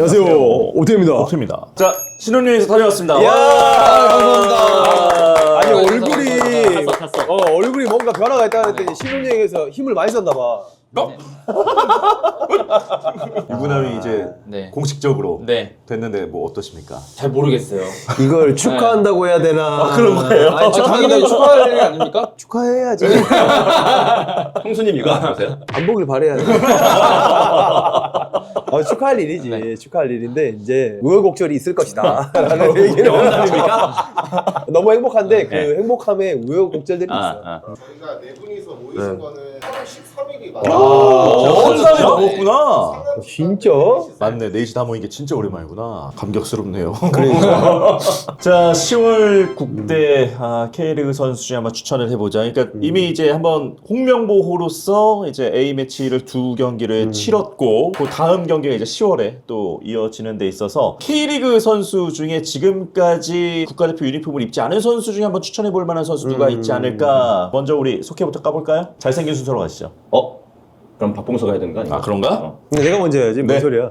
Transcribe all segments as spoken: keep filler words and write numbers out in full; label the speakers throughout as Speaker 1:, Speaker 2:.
Speaker 1: 안녕하세요. 오태입니다.
Speaker 2: 오태입니다. 자, 신혼여행에서 다녀왔습니다.
Speaker 1: 이야,
Speaker 2: 와!
Speaker 1: 감사합니다. 아니,
Speaker 2: 아,
Speaker 1: 얼굴이,
Speaker 2: 탔어, 탔어.
Speaker 1: 어, 얼굴이 뭔가 변화가 있다 그랬더니 신혼여행에서 힘을 많이 썼나 봐.
Speaker 2: 어? 유부남이 이제
Speaker 3: 네.
Speaker 2: 공식적으로
Speaker 3: 네.
Speaker 2: 됐는데 뭐 어떠십니까?
Speaker 3: 잘 모르겠어요.
Speaker 1: 이걸 축하한다고 해야 되나?
Speaker 2: 아, 그런 거예요?
Speaker 1: 아니,
Speaker 3: 아, 당연히 축하할 일 아닙니까?
Speaker 1: 축하해야지.
Speaker 4: 형수님 이거 안 보세요?
Speaker 1: 안 보길 바래야지. 어, 축하할 일이지.
Speaker 3: 네.
Speaker 1: 축하할 일인데, 이제, 우여곡절이 있을 것이다. 라는 얘기는.
Speaker 4: 영담입니까?
Speaker 1: 너무 행복한데, 그
Speaker 4: 네.
Speaker 1: 행복함에 우여곡절들이
Speaker 4: 아,
Speaker 1: 있어요.
Speaker 4: 아.
Speaker 5: 저희가 네 분이서 모이신
Speaker 1: 네.
Speaker 5: 거는 팔월 십삼 일이
Speaker 2: 아,
Speaker 5: 맞아요.
Speaker 2: 한 달이 넘었구나.
Speaker 1: 진짜?
Speaker 2: 맞네, 넷이 다 모인 게 진짜 오랜만이구나. 감격스럽네요. 그러니까. 자, 시월 국대 아, K리그 선수 중에 한번 추천을 해보자. 그러니까
Speaker 1: 음.
Speaker 2: 이미 이제 한번 홍명보호로서 이제 A 매치를 두 경기를
Speaker 1: 음.
Speaker 2: 치렀고, 그 다음 경기가 이제 시월에 또 이어지는 데 있어서 K리그 선수 중에 지금까지 국가대표 유니폼을 입지 않은 선수 중에 한번 추천해볼 만한 선수 누가
Speaker 1: 음.
Speaker 2: 있지 않을까? 먼저 우리 속해부터 까볼까요? 잘생긴 순서로 가시죠.
Speaker 4: 어? 그럼 박봉서가 해야 되는 거 아니야?
Speaker 2: 아, 그런가?
Speaker 4: 어.
Speaker 1: 근데 내가 먼저 해야지. 뭔
Speaker 2: 네.
Speaker 1: 소리야.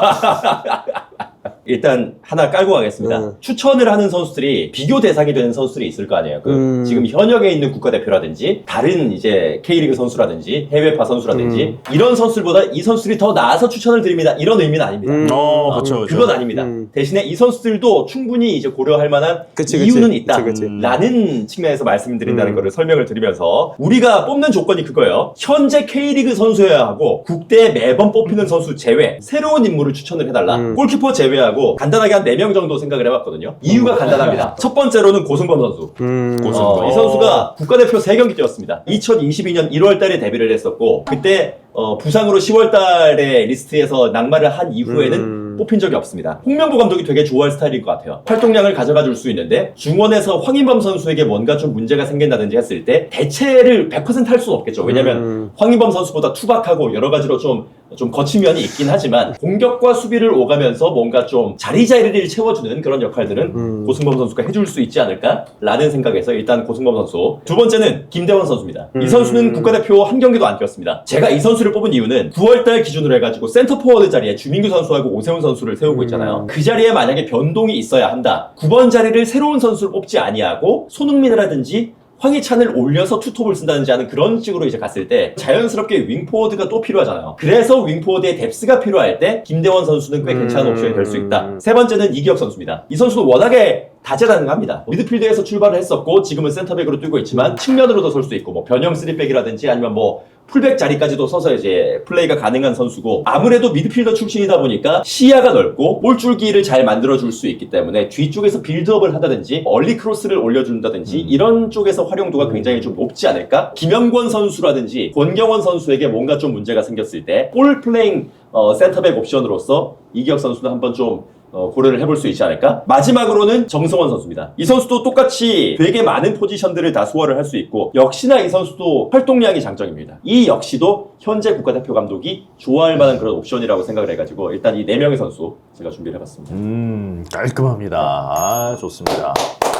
Speaker 4: 일단 하나 깔고 가겠습니다.
Speaker 1: 음.
Speaker 4: 추천을 하는 선수들이 비교 대상이 되는 선수들이 있을 거 아니에요. 그
Speaker 1: 음.
Speaker 4: 지금 현역에 있는 국가대표라든지 다른 이제 K리그 선수라든지 해외파 선수라든지
Speaker 1: 음.
Speaker 4: 이런 선수들보다 이 선수들이 더 나아서 추천을 드립니다. 이런 의미는 아닙니다.
Speaker 1: 음.
Speaker 2: 어, 그렇죠, 그렇죠.
Speaker 4: 그건 아닙니다.
Speaker 1: 음.
Speaker 4: 대신에 이 선수들도 충분히 이제 고려할 만한
Speaker 1: 그치, 그치.
Speaker 4: 이유는 있다.
Speaker 1: 그치, 그치.
Speaker 4: 라는 측면에서 말씀드린다는
Speaker 1: 음.
Speaker 4: 거를 설명을 드리면서 우리가 뽑는 조건이 그거예요. 현재 K리그 선수여야 하고 국대에 매번 뽑히는 선수 제외 새로운 인물을 추천을 해달라.
Speaker 1: 음.
Speaker 4: 골키퍼 제외하고 간단하게 한 네 명 정도 생각을 해봤거든요. 이유가 간단합니다. 첫 번째로는 고승범 선수.
Speaker 1: 음.
Speaker 2: 고승.
Speaker 4: 어, 이 선수가 국가대표 세 경기 뛰었습니다. 이천이십이 년 일월 달에 데뷔를 했었고 그때 어, 부상으로 시월 달에 리스트에서 낙마를 한 이후에는
Speaker 1: 음.
Speaker 4: 뽑힌 적이 없습니다. 홍명보 감독이 되게 좋아할 스타일인 것 같아요. 활동량을 가져가 줄 수 있는데 중원에서 황인범 선수에게 뭔가 좀 문제가 생긴다든지 했을 때 대체를 백 퍼센트 할 수는 없겠죠. 왜냐면
Speaker 1: 음.
Speaker 4: 황인범 선수보다 투박하고 여러 가지로 좀, 좀 거친 면이 있긴 하지만 공격과 수비를 오가면서 뭔가 좀 자리자리를 채워주는 그런 역할들은
Speaker 1: 음.
Speaker 4: 고승범 선수가 해줄 수 있지 않을까라는 생각에서 일단 고승범 선수. 두 번째는 김대원 선수입니다. 이 선수는 국가대표 한 경기도 안 뛰었습니다. 제가 이 선수를 뽑은 이유는 구월 달 기준으로 해가지고 센터 포워드 자리에 주민규 선수하고 오세훈 선수를 세우고 있잖아요. 그 자리에 만약에 변동이 있어야 한다. 구 번 자리를 새로운 선수를 뽑지 아니하고 손흥민이라든지 황희찬을 올려서 투톱을 쓴다든지 하는 그런 식으로 이제 갔을 때 자연스럽게 윙포워드가 또 필요하잖아요. 그래서 윙포워드의 뎁스가 필요할 때 김대원 선수는 꽤 괜찮은 옵션이 될 수 있다. 세 번째는 이기혁 선수입니다. 이 선수는 워낙에 다재다능합니다. 미드필드에서 출발을 했었고 지금은 센터백으로 뛰고 있지만 측면으로도 설 수 있고 뭐 변형 쓰리백이라든지 아니면 뭐 풀백 자리까지도 서서 이제 플레이가 가능한 선수고 아무래도 미드필더 출신이다 보니까 시야가 넓고 볼줄기를 잘 만들어줄 수 있기 때문에 뒤쪽에서 빌드업을 하다든지 얼리 크로스를 올려준다든지 이런 쪽에서 활용도가 굉장히 좀 높지 않을까? 김영권 선수라든지 권경원 선수에게 뭔가 좀 문제가 생겼을 때 볼 플레잉 어, 센터백 옵션으로서 이기혁 선수도 한번 좀 어, 고려를 해볼 수 있지 않을까? 마지막으로는 정성원 선수입니다. 이 선수도 똑같이 되게 많은 포지션들을 다 소화를 할 수 있고 역시나 이 선수도 활동량이 장점입니다. 이 역시도 현재 국가대표 감독이 좋아할 만한 그런 옵션이라고 생각을 해가지고 일단 이 네 명의 선수 제가 준비를 해봤습니다.
Speaker 2: 음, 깔끔합니다. 아, 좋습니다.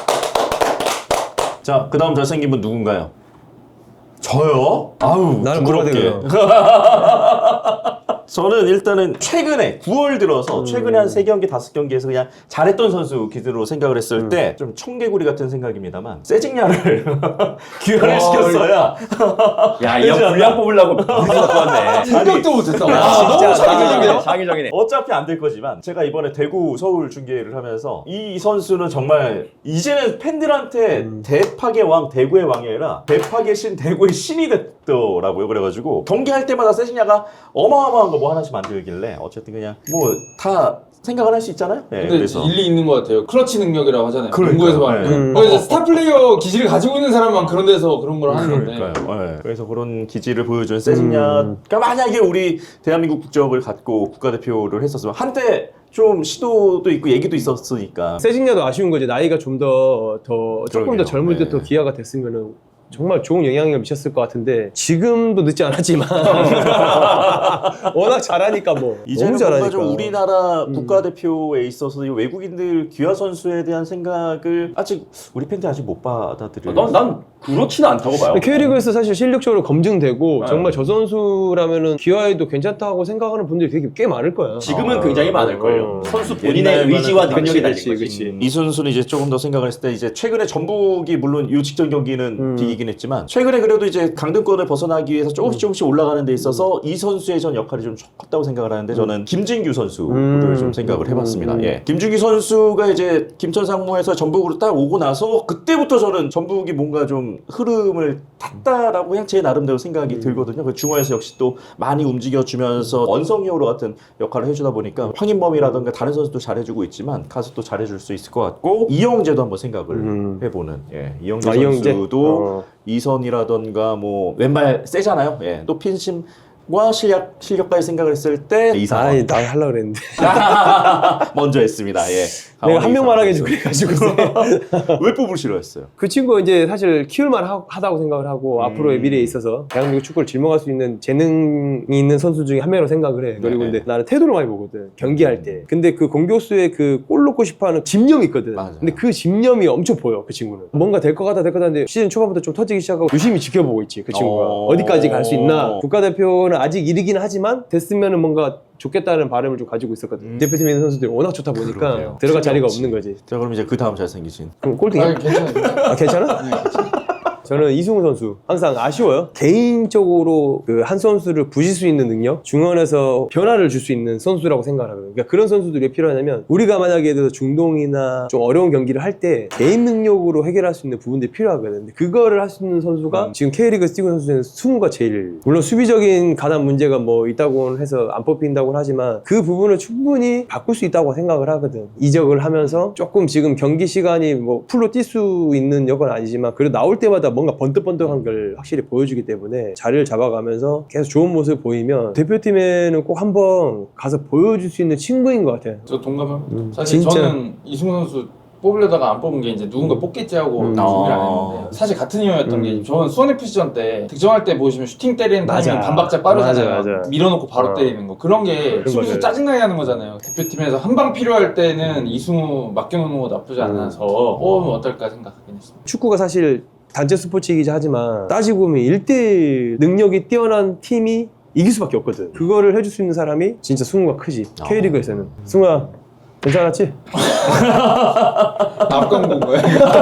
Speaker 2: 자, 그 다음 잘생긴 분 누군가요? 저요? 아우,
Speaker 1: 나는
Speaker 2: 부끄럽게.
Speaker 1: 뭐라
Speaker 2: 저는 일단은 최근에 구월 들어서 최근에 한 세 경기, 다섯 경기에서 그냥 잘했던 선수 기준으로 생각을 했을
Speaker 1: 음.
Speaker 2: 때 좀 청개구리 같은 생각입니다만 세징야를 귀환을 시켰어야
Speaker 4: 야, 이 형 분량 뽑으려고 무리가 좋았네.
Speaker 3: 생각도 못했다.
Speaker 1: 아,
Speaker 3: 와,
Speaker 1: 진짜.
Speaker 3: 너무 창의적이네요.
Speaker 4: 장의적이네.
Speaker 2: 어차피 안 될 거지만 제가 이번에 대구 서울 중계를 하면서 이 선수는 정말 이제는 팬들한테
Speaker 1: 음.
Speaker 2: 대파의 왕 대구의 왕이 아니라 대파의 신 대구의 신이 됐더라고요. 그래가지고 경기할 때마다 세징야가 어마어마한 거 뭐 하나씩 만들길래 어쨌든 그냥 뭐 다 생각을 할 수 있잖아요. 네,
Speaker 3: 근데
Speaker 2: 그래서
Speaker 3: 일리 있는 것 같아요. 클러치 능력이라고 하잖아요.
Speaker 2: 그러니까요.
Speaker 3: 농구에서 말하는.
Speaker 2: 네.
Speaker 1: 음.
Speaker 3: 그래서 스타 플레이어 기질을 가지고 있는 사람만 그런 데서 그런 걸 하는 건데.
Speaker 2: 그러니까요. 네. 그래서 그런 기질을 보여준 세징야가 만약에 우리 대한민국 국적을 갖고 국가대표를 했었으면 한때 좀 시도도 있고 얘기도 있었으니까
Speaker 1: 세징야도 아쉬운 거지. 나이가 좀 더, 더, 조금
Speaker 2: 그러게요.
Speaker 1: 더 젊을 때 더
Speaker 2: 네.
Speaker 1: 기아가 됐으면은 정말 좋은 영향을 미쳤을 것 같은데 지금도 늦지 않았지만 워낙 잘하니까 뭐
Speaker 2: 이제는
Speaker 1: 너무
Speaker 2: 뭔가
Speaker 1: 잘하니까
Speaker 2: 좀 우리나라
Speaker 1: 음.
Speaker 2: 국가대표에 있어서 이 외국인들 귀화 선수에 대한 생각을 아직 우리 팬들 아직 못 받아들여요.
Speaker 4: 난, 난 그렇지는 않다고 봐요.
Speaker 1: K리그에서 사실 실력적으로 검증되고
Speaker 4: 네.
Speaker 1: 정말 저 선수라면은 기아에도 괜찮다고 생각하는 분들이 되게 꽤 많을 거야.
Speaker 4: 지금은
Speaker 2: 아,
Speaker 4: 굉장히 많을 걸요.
Speaker 1: 어.
Speaker 4: 선수 본인의
Speaker 2: 옛날만은-
Speaker 4: 의지와 능력이
Speaker 1: 그치,
Speaker 4: 달린
Speaker 1: 그치,
Speaker 4: 거지.
Speaker 1: 그치.
Speaker 2: 이 선수는 이제 조금 더 생각을 했을 때 이제 최근에 전북이 물론 이 직전 경기는
Speaker 1: 음.
Speaker 2: 비기긴 했지만 최근에 그래도 이제 강등권을 벗어나기 위해서 조금씩 조금씩 올라가는 데 있어서 이 선수의 전 역할이 좀 컸다고 생각을 하는데 저는 김진규 선수를
Speaker 1: 음.
Speaker 2: 좀 생각을 해봤습니다.
Speaker 1: 음.
Speaker 2: 예. 김진규 선수가 이제 김천 상무에서 전북으로 딱 오고 나서 그때부터 저는 전북이 뭔가 좀 흐름을 탔다라고 그냥 제 나름대로 생각이
Speaker 1: 음.
Speaker 2: 들거든요. 그 중원에서 역시 또 많이 움직여주면서 원성이어로 같은 역할을 해주다 보니까 황인범이라든가 다른 선수도 잘해주고 있지만 가서 또 잘해줄 수 있을 것 같고 이영재도 한번 생각을
Speaker 1: 음.
Speaker 2: 해보는 예, 이영재
Speaker 1: 아, 이영재?
Speaker 2: 선수도
Speaker 1: 어.
Speaker 2: 이선이라던가 뭐 왼발 세잖아요. 예, 또 핀심과 실력 실력까지 생각을 했을 때 이상
Speaker 1: 아이 나 하려고 그랬는데
Speaker 2: 먼저 했습니다. 예.
Speaker 1: 내가 한 명만 하게
Speaker 2: 좀
Speaker 1: 그래가지고
Speaker 2: 왜 뽑을 싫어했어요?
Speaker 1: 그 친구가 이제 사실 키울만 하, 하다고 생각을 하고
Speaker 2: 음.
Speaker 1: 앞으로의 미래에 있어서 대한민국 축구를 짊어갈 수 있는 재능이 있는 선수 중에 한 명으로 생각을 해. 그리고
Speaker 2: 네.
Speaker 1: 근데 나는 태도를 많이 보거든 경기할 때. 근데 그 공격수의 그 골 넣고 싶어하는 집념이 있거든.
Speaker 2: 맞아요.
Speaker 1: 근데 그 집념이 엄청 보여 그 친구는. 뭔가 될 것 같다 될 것 같은데 시즌 초반부터 좀 터지기 시작하고 유심히 지켜보고 있지 그 친구가.
Speaker 2: 어.
Speaker 1: 어디까지 갈 수 있나. 국가대표는 아직 이르긴 하지만 됐으면은 뭔가 좋겠다는 바람을 좀 가지고 있었거든.
Speaker 2: 음.
Speaker 1: 대표팀에 있는 선수들이 워낙 좋다 보니까
Speaker 2: 그러네요.
Speaker 1: 들어갈 자리가
Speaker 2: 없지.
Speaker 1: 없는 거지.
Speaker 2: 자 그럼 이제 그 다음 잘생기신
Speaker 1: 그럼 꼴등이야?
Speaker 3: 아니 괜찮아요.
Speaker 1: 아, 괜찮아?
Speaker 3: 네, 괜찮아요.
Speaker 1: 저는 이승우 선수 항상 아쉬워요. 개인적으로 그 한 선수를 부실 수 있는 능력, 중원에서 변화를 줄 수 있는 선수라고 생각하거든요. 그러니까 그런 선수들이 왜 필요하냐면 우리가 만약에 예를 들어서 중동이나 좀 어려운 경기를 할 때 개인 능력으로 해결할 수 있는 부분들이 필요하거든요. 근데 그거를 할 수 있는 선수가
Speaker 2: 음.
Speaker 1: 지금 K리그에서 뛰고 있는 선수는 승우가 제일 물론 수비적인 가담 문제가 뭐 있다고는 해서 안 뽑힌다고는 하지만 그 부분을 충분히 바꿀 수 있다고 생각을 하거든. 이적을 하면서 조금 지금 경기 시간이 뭐 풀로 뛸 수 있는 역은 아니지만 그래도 나올 때마다 뭔가 번뜩번뜩한 걸 확실히 보여주기 때문에 자리를 잡아가면서 계속 좋은 모습을 보이면 대표팀에는 꼭 한번 가서 보여줄 수 있는 친구인 것 같아요.
Speaker 3: 저 동감합니다.
Speaker 1: 음,
Speaker 3: 사실
Speaker 1: 진짜.
Speaker 3: 저는 이승우 선수 뽑으려다가 안 뽑은 게 이제 누군가 뽑겠지 하고
Speaker 1: 음.
Speaker 3: 준비를 안
Speaker 2: 아.
Speaker 3: 했는데 사실 같은 이유였던
Speaker 1: 음.
Speaker 3: 게 저는 수원에프씨전 때 득점할 때 보시면 슈팅 때리는
Speaker 1: 맞아.
Speaker 3: 타이밍이 반박자 빠르잖아요.
Speaker 1: 맞아, 맞아.
Speaker 3: 밀어놓고 바로
Speaker 1: 어.
Speaker 3: 때리는 거 그런 게
Speaker 1: 그런
Speaker 3: 수비수
Speaker 1: 거죠.
Speaker 3: 짜증나게 하는 거잖아요. 대표팀에서 한 방 필요할 때는 이승우 맡겨놓는 거 나쁘지 않아서 뽑으면 어떨까 생각하긴 했습니다.
Speaker 1: 축구가 사실 단체 스포츠이기도 하지만 따지고 보면 일 대일 능력이 뛰어난 팀이 이길 수밖에 없거든. 그거를 해줄 수 있는 사람이 진짜 승우가 크지. K리그에서는. 승우야 괜찮았지?
Speaker 3: 앞광고인 거예요.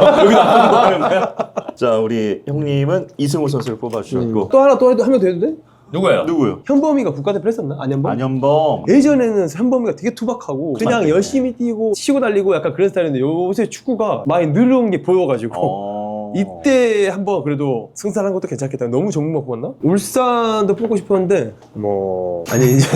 Speaker 2: 자 우리 형님은 이승우 선수를 뽑아주셨고
Speaker 1: 또 하나 또 해도 하면 돼도 돼?
Speaker 4: 누구예요?
Speaker 2: 누구요?
Speaker 1: 현범이가 국가대표 했었나? 안현범?
Speaker 2: 안현범.
Speaker 1: 예전에는 현범이가 되게 투박하고 그냥
Speaker 2: 맞네.
Speaker 1: 열심히 뛰고 치고 달리고 약간 그런 스타일인데 요새 축구가 많이 늘어온 게 보여가지고
Speaker 2: 어...
Speaker 1: 이때 한번 그래도 승산한 것도 괜찮겠다. 너무 정말 뽑았나? 울산도 뽑고 싶었는데 뭐 아니 이제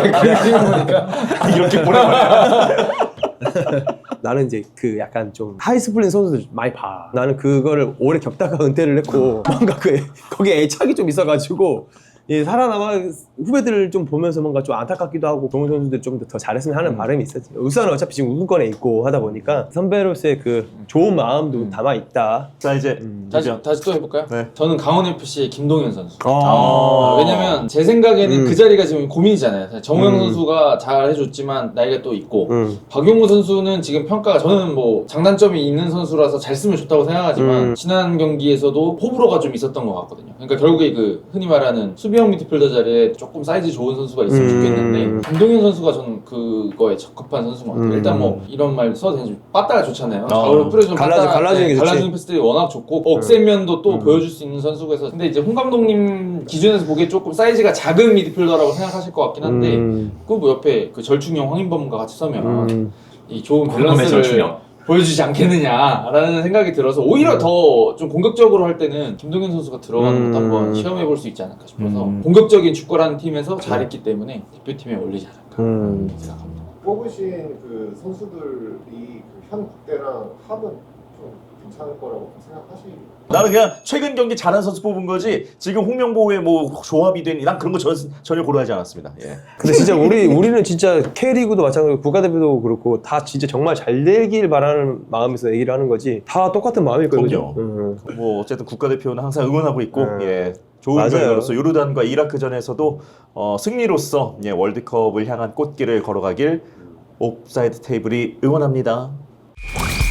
Speaker 2: 이렇게 보내버려.
Speaker 1: 나는 이제 그 약간 좀 하이스플린 선수들 많이 봐. 나는 그거를 오래 겪다가 은퇴를 했고 뭔가 그 애- 거기에 애착이 좀 있어가지고 예, 살아남아 후배들을 좀 보면서 뭔가 좀 안타깝기도 하고 좋은 선수들 좀 더 잘했으면 하는 바람이 있었지. 울산은 어차피 지금 우승권에 있고 하다 보니까 선배로서의 그 좋은 마음도 담아 있다.
Speaker 2: 자 이제
Speaker 3: 다시,
Speaker 2: 이제
Speaker 3: 다시 또 해볼까요?
Speaker 2: 네.
Speaker 3: 저는 강원에프씨의 김동현 선수.
Speaker 1: 아,
Speaker 3: 아, 왜냐면 제 생각에는
Speaker 1: 음.
Speaker 3: 그 자리가 지금 고민이잖아요. 사실 정우영
Speaker 1: 음.
Speaker 3: 선수가 잘 해줬지만 나이가 또 있고
Speaker 1: 음.
Speaker 3: 박용우 선수는 지금 평가가 저는 뭐 장단점이 있는 선수라서 잘 쓰면 좋다고 생각하지만
Speaker 1: 음.
Speaker 3: 지난 경기에서도 호불호가 좀 있었던 것 같거든요. 그러니까 결국에 그 흔히 말하는 수비형 미드필더 자리에 조금 사이즈 좋은 선수가 있으면
Speaker 1: 음.
Speaker 3: 좋겠는데 김동현 선수가 저는 그거에 적합한 선수인 것 같아요.
Speaker 1: 음.
Speaker 3: 일단 뭐 이런 말 써도 되는지 빠따가 좋잖아요.
Speaker 2: 어.
Speaker 3: 좌우로 뿌려주면
Speaker 1: 갈라주-
Speaker 3: 빠따,
Speaker 1: 갈라주는 게 좋지.
Speaker 3: 갈라주는 패스들이 워낙 좋고 억센면도 또
Speaker 1: 음.
Speaker 3: 보여줄 수 있는 선수에서 근데 이제 홍 감독님 기준에서 보기에 조금 사이즈가 작은 미드필더라고 생각하실 것 같긴 한데
Speaker 1: 음.
Speaker 3: 그 뭐 옆에 그 절충형 황인범과 같이 서면
Speaker 1: 음.
Speaker 3: 이 좋은
Speaker 4: 궁금해,
Speaker 3: 밸런스를
Speaker 4: 절충형.
Speaker 3: 보여주지 않겠느냐라는 생각이 들어서 오히려
Speaker 1: 음.
Speaker 3: 더 좀 공격적으로 할 때는 김동현 선수가 들어가는 것도
Speaker 1: 음.
Speaker 3: 한번 시험해 볼 수 있지 않을까 싶어서
Speaker 2: 음.
Speaker 3: 공격적인 축구라는 팀에서 잘했기 때문에 대표팀에 올리지 않을까
Speaker 1: 음.
Speaker 3: 생각합니다.
Speaker 5: 뽑으신 그 선수들이 그 현 국대랑 합은 좀 괜찮을 거라고 생각하시나요?
Speaker 2: 나는 그냥 최근 경기 잘한 선수 뽑은 거지 지금 홍명보의 뭐 조합이 된 난 그런 거 전, 전혀 고려하지 않았습니다. 예.
Speaker 1: 근데 진짜 우리 우리는 진짜 K리그도 마찬가지고 국가대표도 그렇고 다 진짜 정말 잘 되길 바라는 마음에서 얘기를 하는 거지 다 똑같은 마음일 거예요. 그죠?
Speaker 2: 그럼요. 뭐 어쨌든 국가대표는 항상 응원하고 있고
Speaker 1: 음.
Speaker 2: 예. 좋은
Speaker 1: 맞아요.
Speaker 2: 결과로서 요르단과 이라크전에서도 어, 승리로서 예, 월드컵을 향한 꽃길을 걸어가길 옵사이드 테이블이 응원합니다.